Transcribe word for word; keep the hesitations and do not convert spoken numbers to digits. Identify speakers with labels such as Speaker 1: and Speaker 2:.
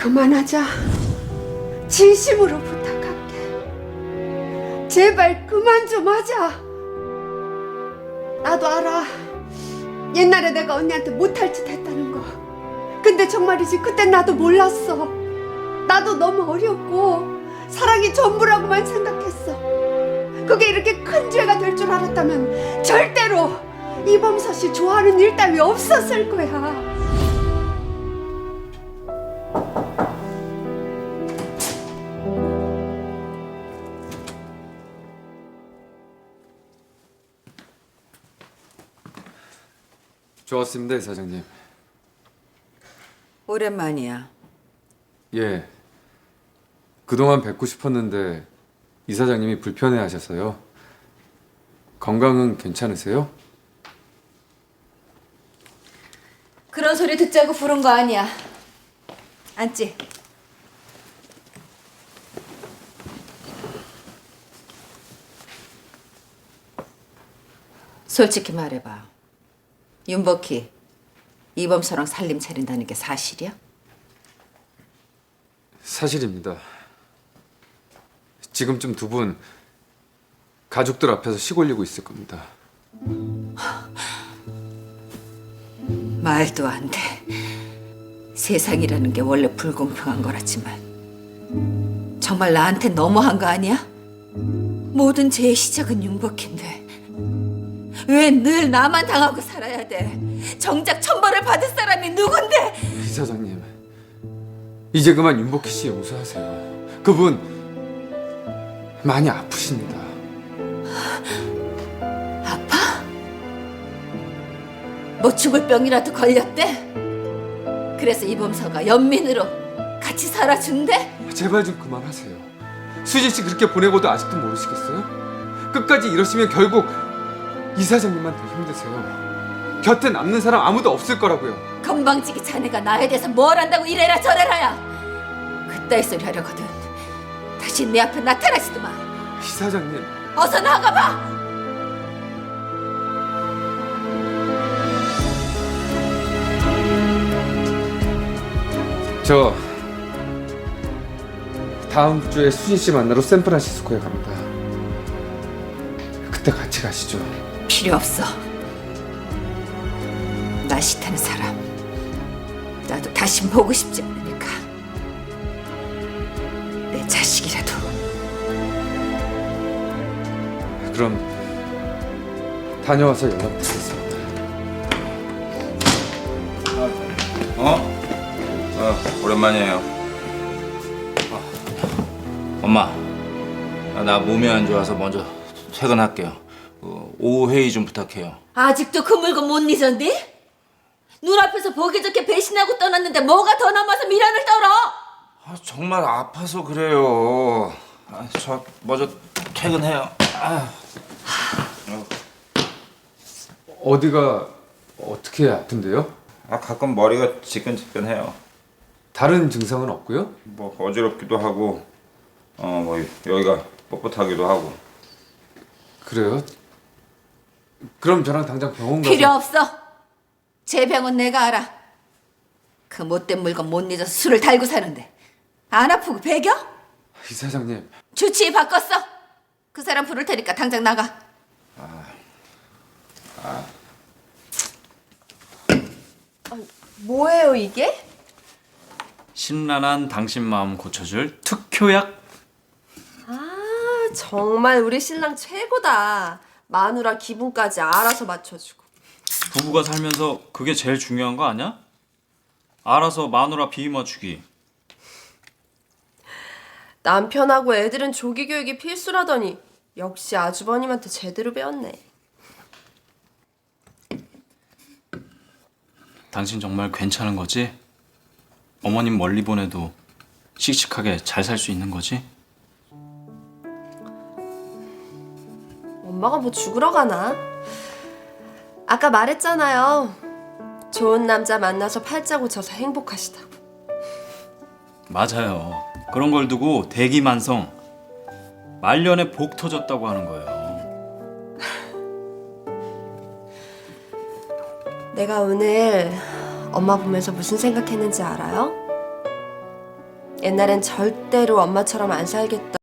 Speaker 1: 그만하자. 진심으로 부탁할게. 제발 그만 좀 하자. 나도 알아. 옛날에 내가 언니한테 못할 짓 했다는 거. 근데 정말이지 그땐 나도 몰랐어. 나도 너무 어렸고 사랑이 전부라고만 생각했어. 그게 이렇게 큰 죄가 될 줄 알았다면 절대로 이범서 씨 좋아하는 일 따위 없었을 거야.
Speaker 2: 좋았습니다, 이사장님.
Speaker 3: 오랜만이야.
Speaker 2: 예. 그동안 뵙고 싶었는데 이사장님이 불편해하셔서요. 건강은 괜찮으세요?
Speaker 3: 그런 소리 듣자고 부른 거 아니야. 앉지. 솔직히 말해봐. 윤복희, 이범서랑 살림 차린다는 게 사실이야?
Speaker 2: 사실입니다. 지금쯤 두 분 가족들 앞에서 시골리고 있을 겁니다.
Speaker 3: 말도 안 돼. 세상이라는 게 원래 불공평한 거라지만 정말 나한테 너무한 거 아니야? 모든 죄의 시작은 윤복희인데 왜 늘 나만 당하고 살아야 돼? 정작 천벌을 받을 사람이 누군데?
Speaker 2: 이사장님, 이제 그만 윤복희 씨 용서하세요. 그분 많이 아프십니다.
Speaker 3: 아파? 뭐 죽을 병이라도 걸렸대? 그래서 이범서가 연민으로 같이 살아준대?
Speaker 2: 제발 좀 그만하세요. 수진 씨 그렇게 보내고도 아직도 모르시겠어요? 끝까지 이러시면 결국 이사장님만 더 힘드세요. 곁에 남는 사람 아무도 없을 거라고요.
Speaker 3: 건방지기 자네가 나에 대해서 뭘 안다고 이래라 저래라야. 그따위 소리 하려거든 다시 내 앞에 나타나지도 마.
Speaker 2: 이사장님,
Speaker 3: 어서 나가봐.
Speaker 2: 저 다음 주에 수진 씨 만나러 샌프란시스코에 갑니다. 그때 같이 가시죠.
Speaker 3: 필요 없어. 나 싫다는 사람 나도 다시 보고 싶지 않으니까. 내 자식이라도.
Speaker 2: 그럼 다녀와서 연락드리겠습니다.
Speaker 4: 어? 어, 오랜만이에요. 아, 엄마, 아, 나 몸이 안 좋아서 먼저 퇴근할게요. 어, 오후 회의 좀 부탁해요.
Speaker 3: 아직도 그 물건 못 잊었니? 눈앞에서 보기 좋게 배신하고 떠났는데 뭐가 더 남아서 미련을 떨어?
Speaker 4: 아, 정말 아파서 그래요. 아, 저 먼저 퇴근해요. 아. 어.
Speaker 2: 어디가 어떻게 아픈데요?
Speaker 4: 아, 가끔 머리가 지끈지끈해요.
Speaker 2: 다른 증상은 없고요?
Speaker 4: 뭐 어지럽기도 하고, 어, 뭐 여기가 뻣뻣하기도 하고.
Speaker 2: 그래요? 그럼 저랑 당장 병원 가서.
Speaker 3: 필요 없어. 제 병은 내가 알아. 그 못된 물건 못 잊어서 술을 달고 사는데 안 아프고 배겨?
Speaker 2: 이사장님,
Speaker 3: 주치의 바꿨어. 그 사람 부를 테니까 당장 나가.
Speaker 5: 뭐예요 이게?
Speaker 6: 신란한 당신 마음 고쳐줄 특효약.
Speaker 5: 아 정말 우리 신랑 최고다. 마누라 기분까지 알아서 맞춰주고.
Speaker 6: 부부가 살면서 그게 제일 중요한 거 아니야? 알아서 마누라 비위 맞추기.
Speaker 5: 남편하고 애들은 조기 교육이 필수라더니 역시 아주버님한테 제대로 배웠네.
Speaker 6: 당신 정말 괜찮은 거지? 어머님 멀리 보내도 씩씩하게 잘 살 수 있는 거지?
Speaker 5: 엄마가 뭐 죽으러 가나? 아까 말했잖아요. 좋은 남자 만나서 팔자 고쳐서 행복하시다고.
Speaker 6: 맞아요. 그런 걸 두고 대기만성, 말년에 복 터졌다고 하는 거예요.
Speaker 5: 내가 오늘 엄마 보면서 무슨 생각했는지 알아요? 옛날엔 절대로 엄마처럼 안 살겠다.